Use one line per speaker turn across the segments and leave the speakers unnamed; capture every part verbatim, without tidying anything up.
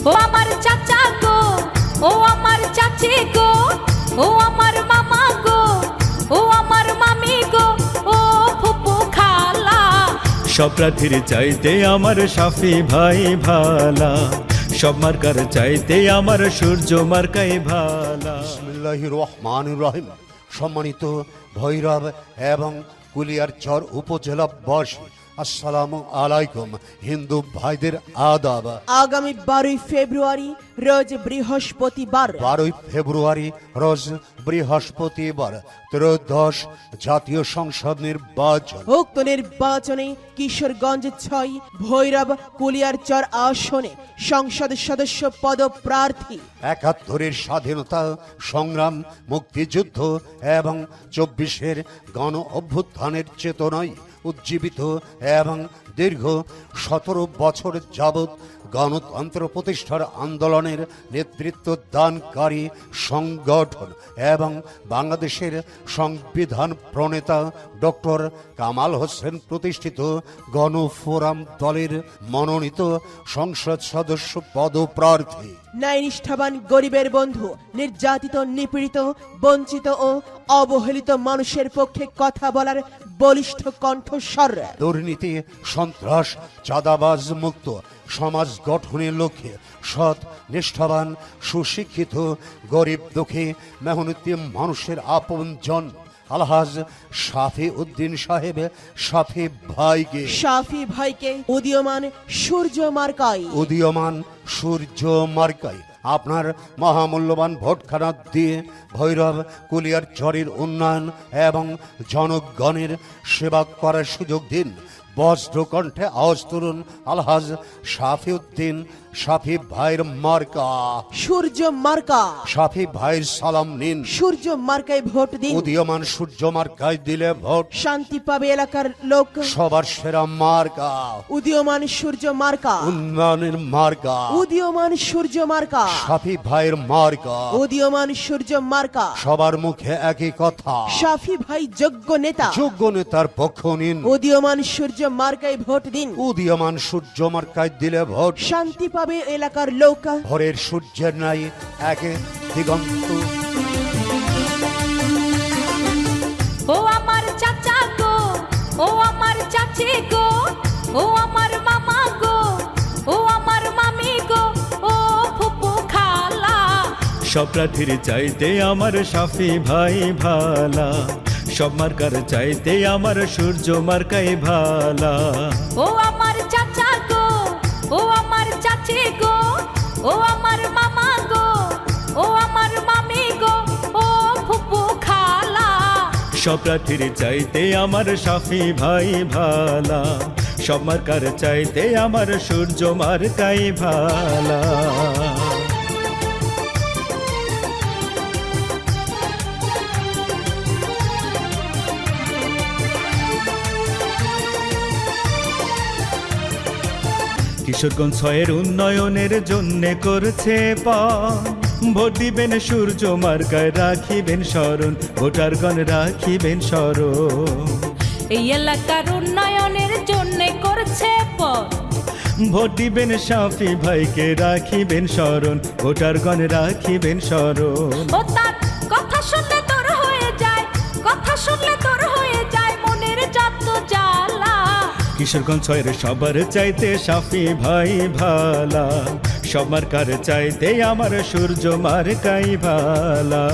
ও আমার চাচা গো, ও আমার চাচি গো, ও আমার মামা গো, ও আমার মামি গো, ও ফুপু খালা।
সব প্রার্থীর চাইতে আমার শাফি ভাই ভালা, সব মার্কার চাইতে আমার সূর্য মার্কাই ভালা।
বিসমিল্লাহির রহমানির রহিম। সম্মানিত ভৈরব এবং কুলিয়ারচর উপজেলাবাসী, আসসালামু আলাইকুম। হিন্দু ভাইদের আদাব।
আগামী বারোই ফেব্রুয়ারি রোজ বৃহস্পতিবার
বারোই ফেব্রুয়ারি রোজ বৃহস্পতিবার ত্রয়োদশ জাতীয় সংসদ নির্বাচন।
উক্ত নির্বাচনে কিশোরগঞ্জ ছয় ভৈরব কুলিয়ারচর আসনে সংসদ সদস্য পদপ্রার্থী
একাত্তরের স্বাধীনতা সংগ্রাম, মুক্তিযুদ্ধ এবং চব্বিশের গণ অভ্যুত্থানের চেতনায় উজ্জীবিত এবং দীর্ঘ সতেরো বছর যাবৎ গণতন্ত্র প্রতিষ্ঠার আন্দোলনের নেতৃত্ব দানকারী সংগঠন এবং বাংলাদেশের সংবিধান প্রণেতা ডক্টর কামাল হোসেন প্রতিষ্ঠিত গণফোরাম দলের মনোনীত সংসদ সদস্য পদপ্রার্থী।
ন্যায়নিষ্ঠাবান গরিবের বন্ধু, নির্যাতিত, নিপীড়িত, বঞ্চিত ও অবহেলিত মানুষের পক্ষে কথা বলার বলিষ্ঠ কণ্ঠস্বর।
দুর্নীতি, সন্ত্রাস, চাঁদাবাজ মুক্ত সমাজ গঠনের লক্ষ্যে সৎ, নিষ্ঠাবান, সুশিক্ষিত, গরিব, দুঃখী, মেহনতি মানুষের আপনজন আলহাজ শাফি উদ্দিন সাহেব শাফি ভাইকে
শাফি ভাইকে উদীয়মান সূর্য মার্কায়
উদীয়মান সূর্য মার্কায় আপনার মহামূল্যবান ভোটখানা দিয়ে ভৈরব কুলিয়ারচরের উন্নয়ন এবং জনগণের সেবা করার সুযোগ দিন। বজ্র কণ্ঠে আওয়াজ তুলুন আলহাজ শাফি উদ্দিন শাফি ভাইয়ের মার্কা
সূর্য মার্কা।
শাফি ভাইয়ের সালাম নিন।
সূর্য মার্কায় ভোট দিন।
উদীয়মান সূর্য মার্কায় দিলে ভোট
শান্তি পাবে এলাকার লোক।
সবার সেরা মার্কা
উদীয়মান সূর্য মার্কা।
উন্নয়নের মার্কা
উদীয়মান সূর্য মার্কা।
শাফি ভাইয়ের মার্কা
উদীয়মান সূর্য মার্কা।
সবার মুখে একই কথা,
শাফি ভাই যোগ্য নেতা।
যোগ্য নেতার পক্ষ নিন।
উদীয়মান সূর্য মার্কায় ভোট দিন।
উদীয়মান সূর্য মার্কায় দিলে ভোট
শান্তি পাবে এলাকার লোক।
ভোরের সূর্যের নাই একে দিগন্ত।
ও আমার চাচা গো, ও আমার চাচি গো, ও আমার মামা গো, ও আমার মামি গো, ও ফুপু খালা।
সব প্রার্থীর চাইতে আমার শাফি ভাই ভালা, সব মার্কার চাইতে আমার সূর্য মার্কাই ভালা।
ও আমার চাচা গো, ও আমার চাচি গো, ও আমার মামা গো, ও আমার মামি গো, ও ফুপু খালা।
সব প্রার্থীর চাইতে আমার শাফি ভাই ভালা, সব মার্কার চাইতে আমার সূর্য মার্কাই ভালা। কিশোরগঞ্জ ছয়ের উন্নয়নের জন্যে করছে পণ, ভোট দিবেন সূর্য মার্কায় রাখিবেন স্মরণ, ভোটারগণ রাখিবেন স্মরণ।
এই এলাকার উন্নয়নের জন্য করছে পথ,
ভোট দিবেন শাফি ভাইকে রাখিবেন স্মরণ, ভোটারগণ রাখিবেন স্মরণ।
ও তার কথা শুনলে তোর হয়ে যায়, কথা শুনলে তোর হয়ে যায় মনের যত জ্বালা।
কিশোরগঞ্জ ছয়ের সবার চাইতে শাফি ভাই ভালা, সব মার্কার চাইতে আমার সূর্য মার্কাই ভালা।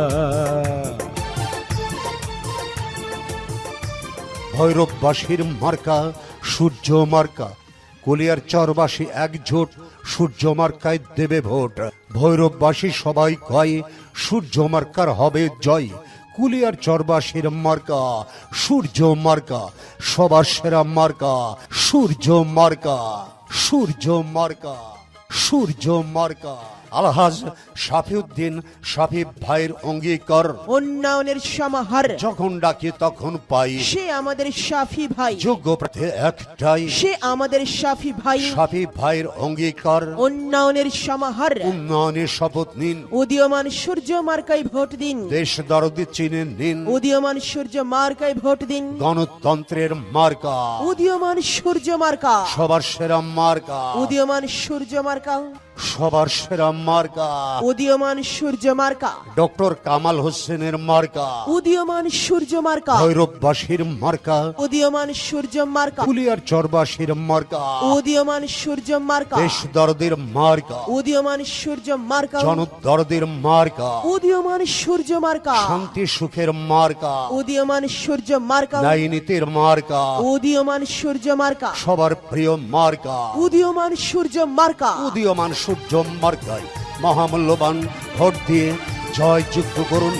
ভৈরববাসীর মার্কা সূর্য মার্কা, কুলিয়ারচরবাসী একজোট সূর্য মার্কায় দেবে ভোট। ভৈরববাসী সবাই কয় সূর্য মার্কার হবে জয়। কুলিয়ারচরবাসীর মার্কা সূর্য মার্কা, সবার সেরা মার্কা সূর্য মার্কা, সূর্য মার্কা, সূর্য মার্কা। আলহাজ শাফি উদ্দিন শাফি ভাইয়ের অঙ্গীকার,
উন্নয়নের সমাহার
যখন ডাকি তখন পাই।
সে আমাদের শাফি ভাই,
যোগ্য প্রার্থী একটাই,
সে আমাদের শাফি ভাই।
শাফি ভাইয়ের অঙ্গীকার,
উন্নয়নের সমাহার।
উন্নয়নের শপথ নিন।
উদীয়মান সূর্য মার্কায় ভোট দিন।
দেশ দরদি চিনে নিন।
উদীয়মান সূর্য মার্কায় ভোট দিন।
গণতন্ত্রের মার্কা
উদীয়মান সূর্য মার্কা।
সবার সেরা মার্কা
উদীয়মান সূর্য মার্কা।
সবার সেরা মার্কা
উদীয়মান সূর্য মার্কা,
ডক্টর কামাল হোসেনের মার্কা,
উদীয়মান সূর্য মার্কা,
ভৈরববাসীর মার্কা,
উদীয়মান সূর্য মার্কা,
কুলিয়ার চরবাসীর মার্কা,
উদীয়মান সূর্য মার্কা,
দেশ দরদের মার্কা,
উদীয়মান সূর্য মার্কা,
জনদরদের মার্কা,
উদীয়মান সূর্য মার্কা,
শান্তি সুখের মার্কা,
উদীয়মান সূর্য মার্কা,
ন্যায়নীতির মার্কা,
উদীয়মান সূর্য মার্কা,
সবার প্রিয় মার্কা,
উদীয়মান সূর্য মার্কা।
উদীয়মান সূর্য মার্কায় মহামূল্যবান ভোট দিয়ে জয়যুক্ত করুন।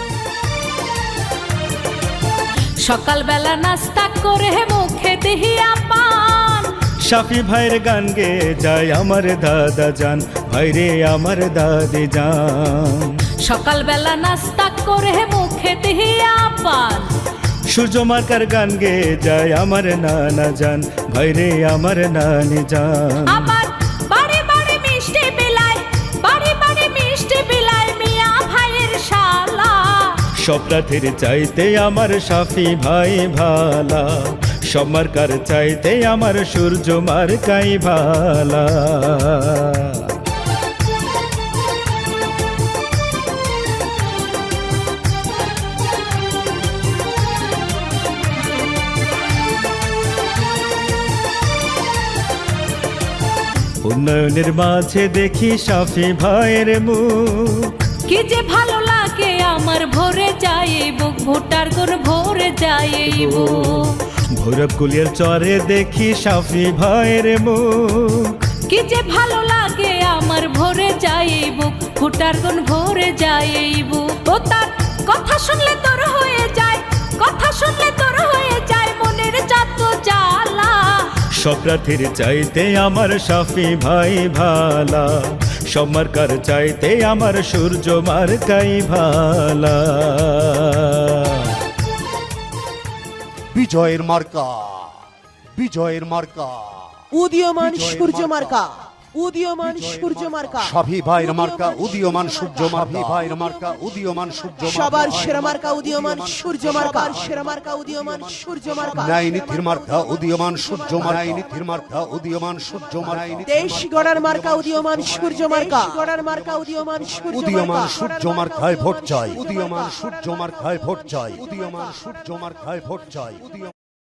সকালবেলা নাস্তা করে মুখে দিহিয়া পান,
শাফি ভাইয়ের গান গেয়ে যায় আমার দাদা জান, ভাইরে আমার দাদি জান।
সকালবেলা নাস্তা করে মুখে দিহিয়া পান,
সূর্য মার্কার গান গেয়ে যায় আমার নানা জান, ভাইরে আমার নানি জান।
আবার বাড়ি বাড়ি মিষ্টি বিলায়, বাড়ি বাড়ি মিষ্টি বিলায় মিয়া ভাইয়ের শালা।
সব প্রার্থীর চাইতে আমার শাফি ভাই ভালা, সব মার্কার চাইতে আমার সূর্য মার্কাই ভালা। উন্নয়নের মাঝে দেখি শাফি ভাইয়ের মুখ,
কি যে ভালো লাগে আমার ভরে যায় এই বুক, ভোটার গুণ ভরে যায় এই বুক।
ভৈরব কুলিয়ার চরে দেখি শাফি ভাইয়ের মুখ,
কি যে ভালো লাগে আমার ভরে যায় এই বুক, ভোটার গুণ ভরে যায় এই বুক। ও তার কথা শুনলে তোর হয়ে যায়, কথা শুনলে তোর হয়ে যায় মনের যত জ্বালা।
সব প্রার্থীর চাইতে আমার শাফি ভাই ভালা, সব মার্কার চাইতে আমার সূর্য মার্কাই ভালা।
বিজয়ের মার্কা, বিজয়ের মার্কা,
উদীয়মান সূর্য মার্কা, উদীয়মান সূর্য মার্কা,
শাফি ভাইয়ের মার্কা, উদীয়মান সূর্য মার্কা, ভাইয়ের মার্কা, উদীয়মান সূর্য মার্কা,
সবার সেরা মার্কা উদীয়মান সূর্য মার্কা, সেরা মার্কা উদীয়মান সূর্য মার্কা,
ন্যায়নীতির মার্কা, উদীয়মান সূর্য মার্কা, ন্যায়নীতির মার্কা, উদীয়মান সূর্য মার্কা,
দেশ গড়ার মার্কা উদীয়মান সূর্য মার্কা, গড়ার মার্কা উদীয়মান সূর্য
উদীয়মান
মার্কা,
সূর্য মার্কায় ভোট চাই, উদীয়মান সূর্য মার্কায় ভোট চাই, উদীয়মান সূর্য মার্কায় ভোট চাই, উদীয়মান।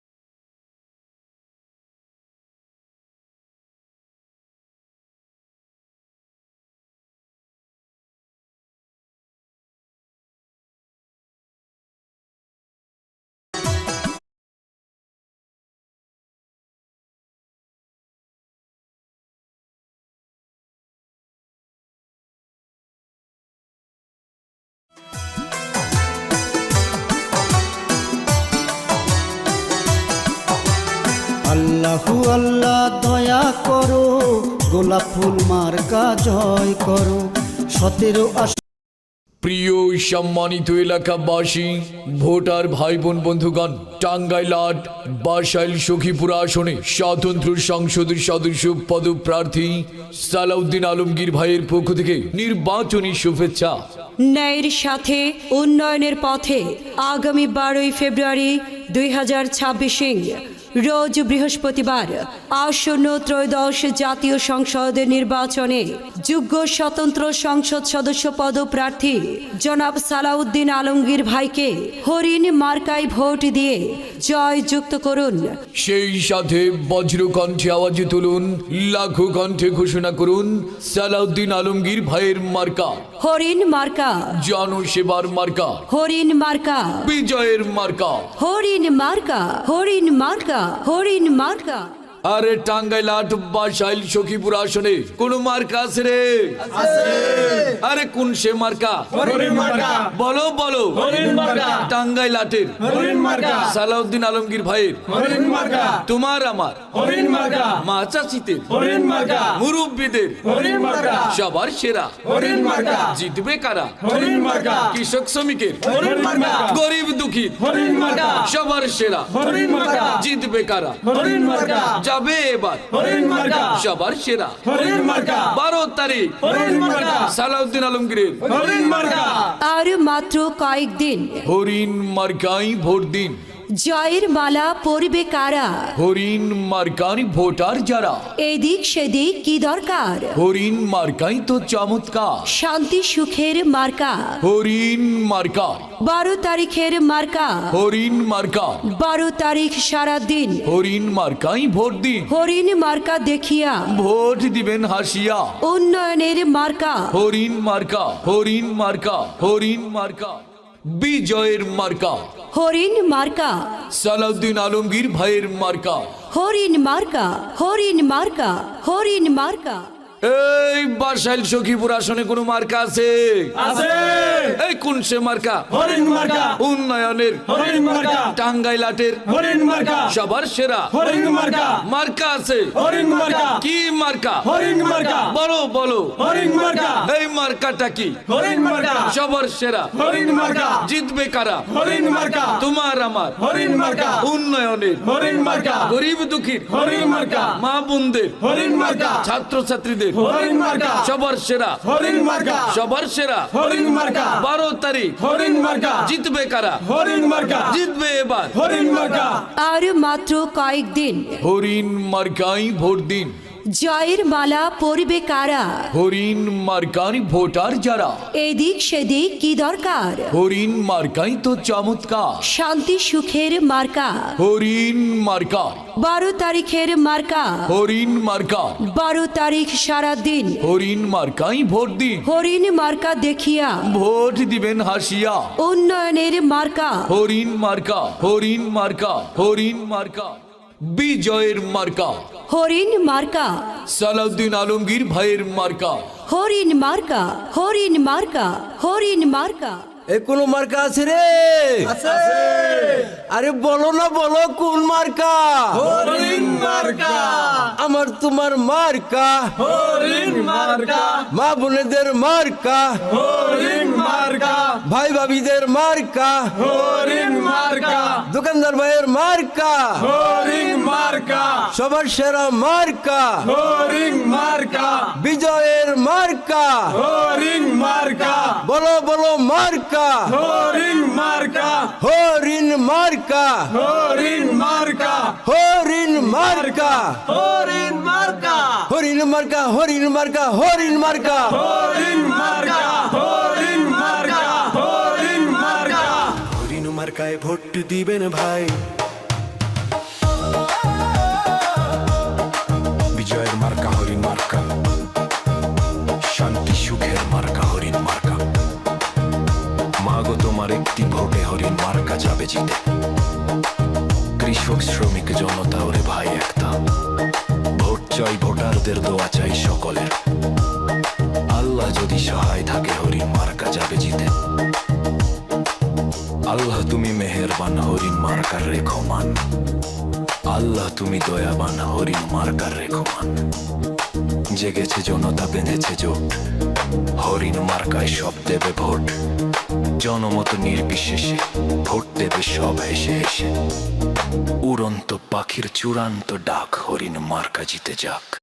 আল্লাহু আল্লাহ দয়া করো, গোলাপ ফুল মার্কা জয় করো। সতেরো আস
প্রিয় সম্মানিত এলাকাবাসী, ভোটার ভাই বোন বন্ধুগণ, টাঙ্গাইল আট বাসাইল সখীপুর আসনে স্বতন্ত্র সংসদের সদস্য পদপ্রার্থী সালাউদ্দিন আলমগীর ভাইয়ের পক্ষ থেকে নির্বাচনী শুভেচ্ছা।
ন্যায়ের সাথে উন্নয়নের পথে আগামী বারোই ফেব্রুয়ারি দুই হাজার ছাব্বিশে রোজ বৃহস্পতিবার আসন্ন ত্রয়োদশ জাতীয় সংসদ নির্বাচনে যোগ্য স্বতন্ত্র সংসদ সদস্য পদপ্রার্থী জনাব সালাউদ্দিন আলমগীর ভাইকে হরিণ মার্কায় ভোট দিয়ে জয়যুক্ত করুন।
সেই সাথে বজ্রকণ্ঠে আওয়াজে তুলুন, লাখো কণ্ঠে ঘোষণা করুন সালাউদ্দিন আলমগীর ভাইয়ের মার্কা
হরিণ মার্কা,
জনসেবার মার্কা,
হরিণ মার্কা,
বিজয়ের মার্কা,
হরিণ মার্কা, হরিণ মার্কা, হরিণ মার্কা।
আরে টাঙ্গাইল আট বাসাইল সখীপুর আসনে কোন মার্কা আছে রে? আরে কোন সে মার্কা? বলো বলো। টাঙ্গাইল আটের সালাউদ্দিন আলমগীর ভাইয়ের, তোমার আমার মা চাচিতে মুরব্বীদের সবার সেরা জিতবে কারা? কৃষক শ্রমিকের, গরিব দুঃখী সবার সেরা জিতবে কারা? যাবে এবার সবার সেরা বারো তারিখ সালাউদ্দিন আলমগীরের।
আর মাত্র কয়েকদিন,
হরিণ মার্কাই ভোট দিন।
জয়ের মালা পরবে কারা
হরিণ মার্কার ভোটার যারা
এদিক সেদিক কি দরকার
হরিণ মার্কাই তো চমৎকার
শান্তি সুখের মার্কা
হরিণ মার্কা
বারো তারিখের মার্কা
হরিণ মার্কা
বারো তারিখ সারা দিন
হরিণ মার্কাই ভোট দিন
হরিণ মার্কা দেখিয়া
ভোট দিবেন হাসিয়া
উন্নয়নের মার্কা
হরিণ মার্কা হরিণ মার্কা হরিণ মার্কা বিজয়ের মার্কা
হরিণ মার্কা
সালাউদ্দিন আলমগীর ভাইয়ের মার্কা
হরিণ মার্কা হরিণ মার্কা হরিণ মার্কা
এই বাসাইল সখীপুর আসনে কোন মার্কা আছে
আছে
এই কোন সে মার্কা
হরিণ মার্কা
উন্নয়নের
হরিণ মার্কা
টাঙ্গাইলাটের
হরিণ মার্কা
সবার সেরা
হরিণ মার্কা
মার্কা আছে
হরিণ মার্কা
কি মার্কা
হরিণ মার্কা
বলো বলো
হরিণ মার্কা
এই মার্কাটা কি
হরিণ মার্কা
সবার সেরা
হরিণ মার্কা
জিতবে কারা
হরিণ মার্কা
তোমার আমার
হরিণ মার্কা
উন্নয়নের
হরিণ মার্কা
গরিব দুঃখীর
হরিণ মার্কা
মা বোনদের
হরিণ মার্কা
ছাত্র ছাত্রীদের
হরিণ মার্কা
সবার সেরা
হরিণ মার্কা
সবার সেরা
হরিণ মার্কা
বারো তারিখ
হরিণ মার্কা
জিতবে কারা
হরিণ মার্কা
জিতবে এবার
হরিণ মার্কা
আর মাত্র কয়েকদিন
হরিণ মার্কাই ভোট দিন
জয়ের মালা পরবে কারা
হরিণ মার্কার ভোটার যারা
এদিক সেদিক কি দরকার
হরিণ মার্কাই তো চমৎকার
শান্তি সুখের মার্কা
হরিণ মার্কা
বারো তারিখের মার্কা
হরিণ মার্কা
বারো তারিখ সারা দিন
হরিণ মার্কাই ভোট দিন
হরিণ মার্কা দেখিয়া
ভোট দিবেন হাসিয়া
উন্নয়নের মার্কা
হরিণ মার্কা হরিণ মার্কা হরিণ মার্কা বিজয়ের মার্কা
হরিণ মার্কা
সালাউদ্দিন আলমগীর ভাইয়ের মার্কা
হরিণ মার্কা হরিণ মার্কা হরিণ মার্কা
এ কোন মার্কা আছে রে আরে বলো না বলো কোন মার্কা
হরিণ মার্কা
আমার তোমার মার্কা
হরিণ মার্কা
মা বোনেদের মার্কা
হরিণ মার্কা
ভাই ভাবিদের মার্কা
হরিণ মার্কা
দোকানদার ভাইয়ের মার্কা
হরিণ মার্কা
সবার সেরা মার্কা
হরিণ মার্কা
বিজয়ের মার্কা
হরিণ মার্কা
বলো বলো মার্কা
হরিণ মার্কা
হরিণ মার্কা
হরিণ মার্কা
হরিণ মার্কা
হরিণ মার্কা
হরিণ মার্কা হরিণ মার্কা হরিণ মার্কা
হরিণ মার্কা হরিণ মার্কা হরিণ মার্কা
হরিণ মার্কায় ভোট দিবেন ভাই বিজয়ের মার্কা হরিণ মার্কা শান্তি সুখের মার্কা হরিণ মার্কা মাগো তোমার একটি ভোটে হরিণ মার্কা যাবে জিতে কৃষক শ্রমিক জনতা ওরে ভাই একটা ভোট চাই ভোটারদের দোয়া চাই সকলের আল্লাহ যদি সহায় থাকে হরিণ মার্কা যাবে জিতে আল্লাহ তুমি মেহেরবান হরিণ মার্কার রেখমান আল্লাহ তুমি দয়াবান হরিণ মার্কার রেখমান জেগেছে জনতা বেঁধেছে জোট হরিণ মার্কায় সব দেবে ভোট জনমত নির্বিশেষে ভোট দেবে সব হেসে হেসে উড়ন্ত পাখির চূড়ান্ত ডাক হরিণ মার্কা জিতে যাক।